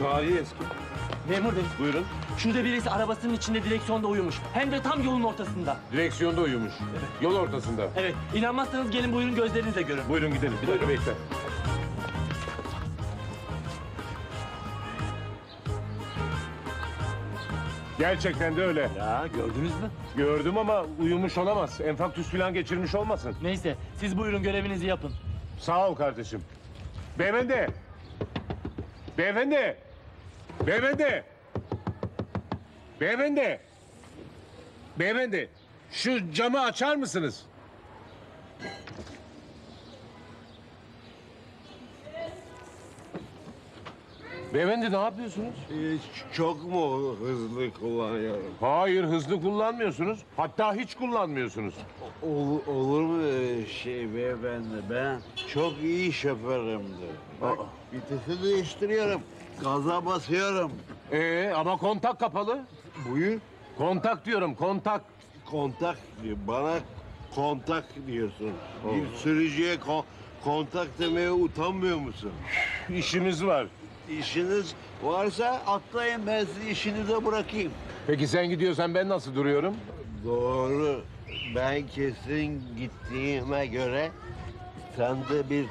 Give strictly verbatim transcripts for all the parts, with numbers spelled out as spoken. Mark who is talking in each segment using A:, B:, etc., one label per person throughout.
A: Tarihi eski.
B: Memur bey,
A: Buyurun.
B: şurada birisi arabasının içinde direksiyonda uyumuş. Hem de tam yolun ortasında.
A: Direksiyonda uyumuş.
B: Evet.
A: Yol ortasında.
B: Evet, inanmazsanız gelin buyurun gözlerinizle görün.
A: Buyurun gidelim. Bir dakika bekle. Gerçekten de öyle.
B: Ya gördünüz mü?
A: Gördüm ama uyumuş olamaz. Enfarktüs falan geçirmiş olmasın.
B: Neyse, siz buyurun görevinizi yapın.
A: Sağ ol kardeşim. Beyefendi. Beyefendi. Beyefendi. Beyefendi. Beyefendi. Şu camı açar mısınız? Beyefendi ne yapıyorsunuz?
C: Hiç çok mu hızlı kullanıyorum?
A: Hayır hızlı kullanmıyorsunuz. Hatta hiç kullanmıyorsunuz.
C: Ol, olur mu öyle şey beyefendi? Ben çok iyi şoförümdür. Bak, vitesi değiştiriyorum. Gaza basıyorum.
A: Ee, ama kontak kapalı.
C: Buyur.
A: Kontak diyorum kontak.
C: Kontak diyor. Bana kontak diyorsun. Bir sürücüye kon- kontak demeye utanmıyor musun?
A: İşimiz var.
C: İşiniz varsa atlayın, ben sizi işinize bırakayım.
A: Peki sen gidiyorsan ben nasıl duruyorum?
C: Doğru. Ben kesin gittiğime göre sende bir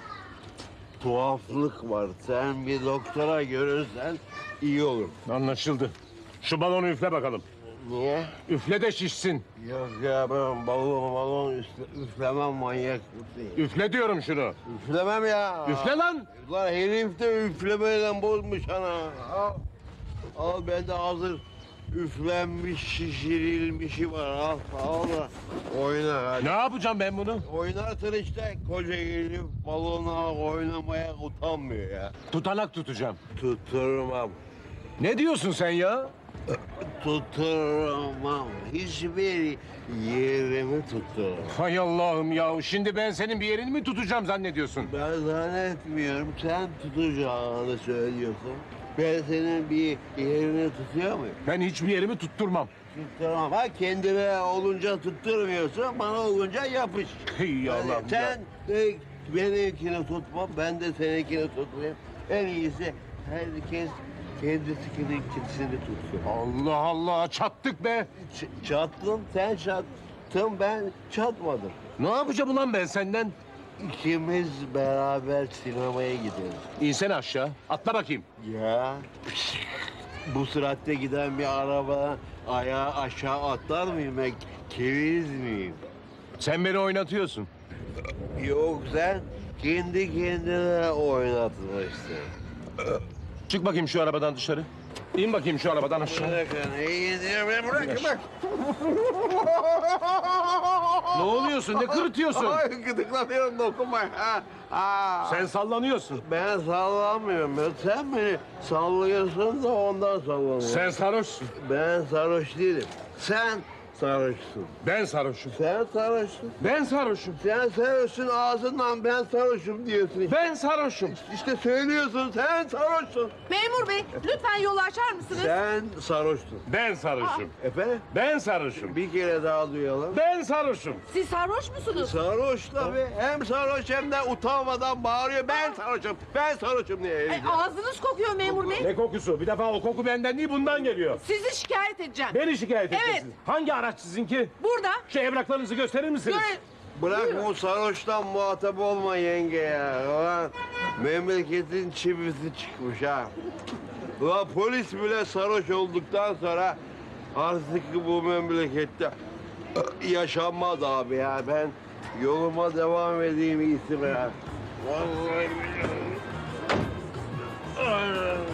C: tuhaflık var. Sen bir doktora görürsen iyi olur.
A: Anlaşıldı. Şu balonu üfle bakalım.
C: Niye?
A: Üfle de şişsin.
C: Yok ya ben balon balon üfle, üflemem, manyak mısın?
A: Üfle diyorum şunu.
C: Üflemem ya.
A: Üfle lan.
C: Lan herif de üflemeyle bozmuş ana. Al, al bende hazır üflenmiş şişirilmişi var. Al, al da oyna hadi.
A: Ne yapacağım ben bunu?
C: Oynarsın işte, koca gelip balona oynamaya utanmıyor ya.
A: Tutanak tutacağım.
C: Tutturmam,
A: Ne diyorsun sen ya?
C: tutturmam. Hiçbir yerimi tutturmam.
A: Hay Allah'ım ya. Şimdi ben senin bir yerini mi tutacağım zannediyorsun?
C: Ben zannetmiyorum, sen tutacağını söylüyorsun. Ben senin bir yerini tutuyor muyum?
A: Ben hiçbir yerimi tutturmam.
C: Tutturamam. Ha kendine olunca tutturmuyorsun, bana olunca yapış.
A: Hey
C: Yani
A: Allah'ım
C: sen
A: ya.
C: de benimkini tutma, ben de seninkini tutmayayım. En iyisi herkes kendisinin kendisini tutsun.
A: Allah Allah çattık be.
C: Ç- çattın, sen çattın, ben çatmadım.
A: Ne yapacağım ulan ben senden?
C: İkimiz beraber sinemaya gideriz.
A: İnsene aşağı. Atla bakayım.
C: Ya bu süratte giden bir araba ayağı aşağı atlar mıyım ben? Keviz miyim?
A: Sen beni oynatıyorsun.
C: Yok, sen kendi kendine oynatmışsın.
A: Çık bakayım şu arabadan dışarı. İn bakayım şu arabadan aşağı.
C: Bırakın, iyi diyor, beni bırakın bak.
A: Ne oluyorsun? Ne kırıtıyorsun?
C: Ay, gıdıklanıyorum, dokunma. Ha, ha.
A: Sen sallanıyorsun.
C: Ben sallamıyorum. Ya. Sen beni sallıyorsun da ondan sallanıyorum.
A: Sen sarhoşsun.
C: Ben sarhoş değilim. Sen sarhoşsun.
A: Ben sarhoşum.
C: Sen sarhoşsun.
A: Ben sarhoşum.
C: Sen sarhoşsun, ağzından ben sarhoşum diyorsun.
A: Ben sarhoşum.
C: İşte söylüyorsun, sen sarhoşsun.
D: Memur bey, lütfen yolu açar mısınız?
C: Sen sarhoşsun.
A: Ben sarhoşum.
C: Efendim?
A: Ben sarhoşum.
C: Bir kere daha duyalım.
A: Ben sarhoşum.
D: Siz sarhoş musunuz?
C: Sarhoş tabii. Hem sarhoş hem de utanmadan bağırıyor. Ben sarhoşum, ben sarhoşum diye.
D: Ay, ağzınız kokuyor memur bey.
A: Ne kokusu? Bir defa o koku benden değil bundan geliyor.
D: Sizi şikayet edeceğim.
A: Beni şikayet
D: Evet.
A: edeceksiniz. Hangi araç sizinki?
D: Burada.
A: Şu evraklarınızı gösterir misiniz?
D: Göre...
C: Bırak bu sarhoştan muhatap olma yenge ya. Ulan memleketin çivisi çıkmış ha. Ulan polis bile sarhoş olduktan sonra artık bu memlekette yaşanmaz abi ya. Ben yoluma devam edeyim iyisi be ya. Vallahi billahi.